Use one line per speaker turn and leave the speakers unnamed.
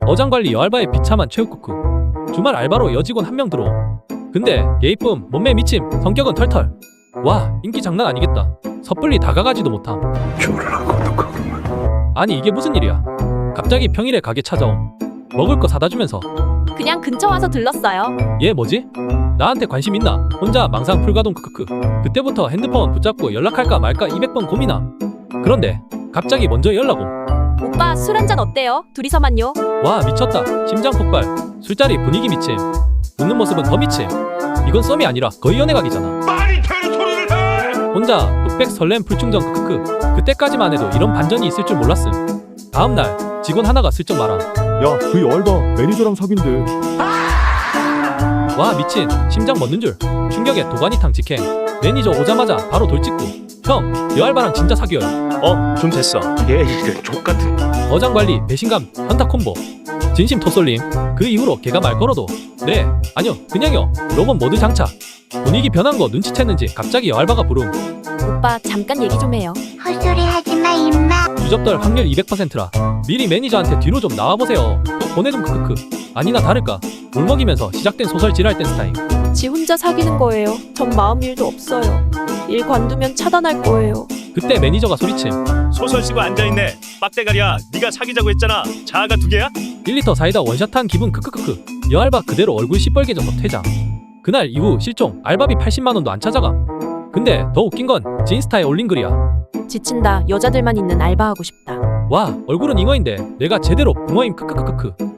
어장관리 여알바에 비참한 최후쿠쿠. 주말 알바로 여직원 한 명 들어. 근데 예이쁨, 몸매 미침, 성격은 털털. 와, 인기 장난 아니겠다. 섣불리 다가가지도 못함. 아니 이게 무슨 일이야. 갑자기 평일에 가게 찾아옴. 먹을 거 사다 주면서.
그냥 근처 와서 들렀어요.
얘 뭐지? 나한테 관심 있나? 혼자 망상 풀가동 크크크. 그때부터 핸드폰 붙잡고 연락할까 말까 200번 고민함. 그런데 갑자기 먼저 연락 옴.
오빠 술 한잔 어때요? 둘이서만요.
와 미쳤다. 심장 폭발. 술자리 분위기 미침. 웃는 모습은 더 미침. 이건 썸이 아니라 거의 연애각이잖아.
말이 되는 소리를 해!
혼자 뚝백 설렘 풀충전 크크크. 그때까지만 해도 이런 반전이 있을 줄 몰랐음. 다음날 직원 하나가 슬쩍 말함.
야, 그 여알바 매니저랑 사귄대.
와 미친. 심장 멎는 줄. 충격에 도가니탕 직행. 매니저 오자마자 바로 돌직구. 형 여알바랑 진짜 사귀어요.
좀 됐어. 얘 이런 족같은.
어장관리 배신감 현타 콤보. 진심 토솔림. 그 이후로 걔가 말 걸어도 네 아니요 그냥요 로봇 모드 장착. 분위기 변한 거 눈치챘는지 갑자기 여알바가 부름.
오빠 잠깐 얘기 좀 해요.
헛소리 하지마 임마.
유접떨 확률 200%라 미리 매니저한테 뒤로 좀 나와보세요. 또 보내둠 크크크. 아니나 다를까 울먹이면서 시작된 소설 지랄 댄스 타임.
지 혼자 사귀는 거예요. 전 마음 일도 없어요. 일 관두면 차단할 거예요.
그때 매니저가 소리침.
소설 쓰고 앉아있네. 빡대가리야. 네가 사귀자고 했잖아. 자아가 두 개야?
1리터 사이다 원샷한 기분 크크크크. 여알바 그대로 얼굴 시뻘개져서 퇴장. 그날 이후 실종. 알바비 80만원도 안 찾아감. 근데 더 웃긴 건 지인스타에 올린 글이야.
지친다. 여자들만 있는 알바하고 싶다.
와 얼굴은 잉어인데 내가 제대로 붕어임 크크크크크.